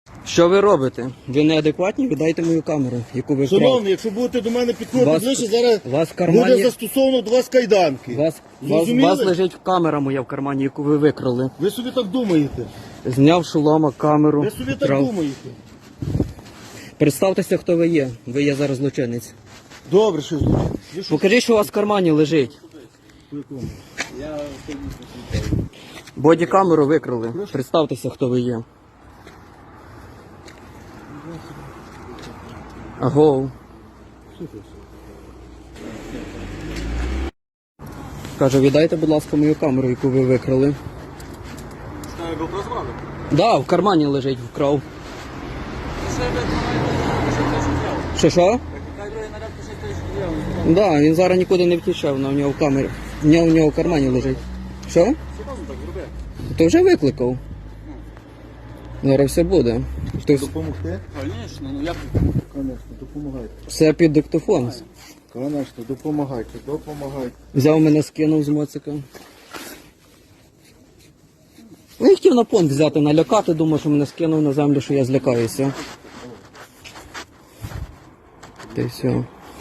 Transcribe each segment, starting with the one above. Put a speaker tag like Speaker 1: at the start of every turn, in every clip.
Speaker 1: Що ви робите? Ви неадекватні? Віддайте мою камеру, яку ви вкрали.
Speaker 2: Шановний, якщо будете до мене підходити ближче, зараз
Speaker 1: вас в кармані-
Speaker 2: буде застосовано до вас кайданки.
Speaker 1: У вас
Speaker 2: Зрозуміли?
Speaker 1: лежить камера моя в кармані, яку ви викрали.
Speaker 2: Ви собі так думаєте?
Speaker 1: Зняв шолома, камеру.
Speaker 2: Ви собі так
Speaker 1: вкрав.
Speaker 2: думаєте?
Speaker 1: Представтеся, хто ви є. Ви є зараз злочинець.
Speaker 2: Добре, що злочин. Ви що?
Speaker 1: Покажіть, що у вас в кармані лежить.
Speaker 2: По якому?
Speaker 1: Бодікамеру викрали. Представтеся, хто ви є. Агоу. Каже, віддайте, будь ласка, мою камеру, яку ви викрали. Да, в кармані лежить, вкрав. Що? Да, він зараз нікуди не втічав, вона в нього в камері. В нього в кармані лежить. Що? То вже викликав. Зараз все буде.
Speaker 2: Допомогти?
Speaker 3: Звісно, ну як
Speaker 2: Конечно, допомагайте.
Speaker 1: Все під диктофон.
Speaker 2: Конечно, допомагайте, допомагайте.
Speaker 1: Взяв мене, скинув з моцика. Ну, я хотів на понт взяти, налякати, думав, що мене скинув на землю, що я злякаюся. Та й все.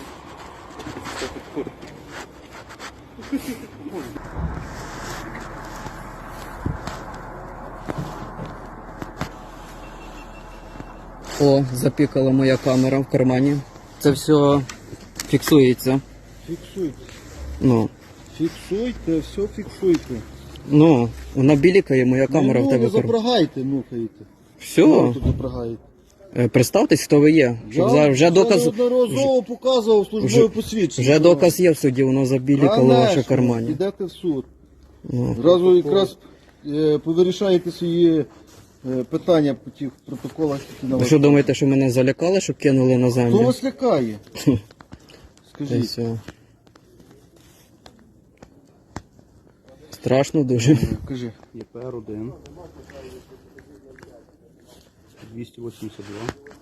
Speaker 1: О, запікала моя камера в кармані. Це все фіксується.
Speaker 2: Фіксуйте.
Speaker 1: Ну,
Speaker 2: Фіксуйте, все фіксуйте.
Speaker 1: вона білікає, моя камера в тебе.
Speaker 2: не запрягайте, нюхаєте.
Speaker 1: Все.
Speaker 2: Тут запрягаєте.
Speaker 1: Представтесь, хто ви є. Щоб вже доказ.
Speaker 2: Я неодноразово показував службове посвідчення.
Speaker 1: Вже доказ є в суді, воно забілікало в ваші кармані.
Speaker 2: Підете в суд.
Speaker 1: Ну.
Speaker 2: Зразу якраз повирішаєте свої питання по тих протоколах, які на
Speaker 1: Ви
Speaker 2: вас.
Speaker 1: що думаєте, що мене залякали, щоб кинули на
Speaker 2: Хто
Speaker 1: землю?
Speaker 2: вас лякає?
Speaker 1: Та й
Speaker 2: Скажіть.
Speaker 1: все. Страшно дуже.
Speaker 2: Кажи.
Speaker 3: ЄПР-1 282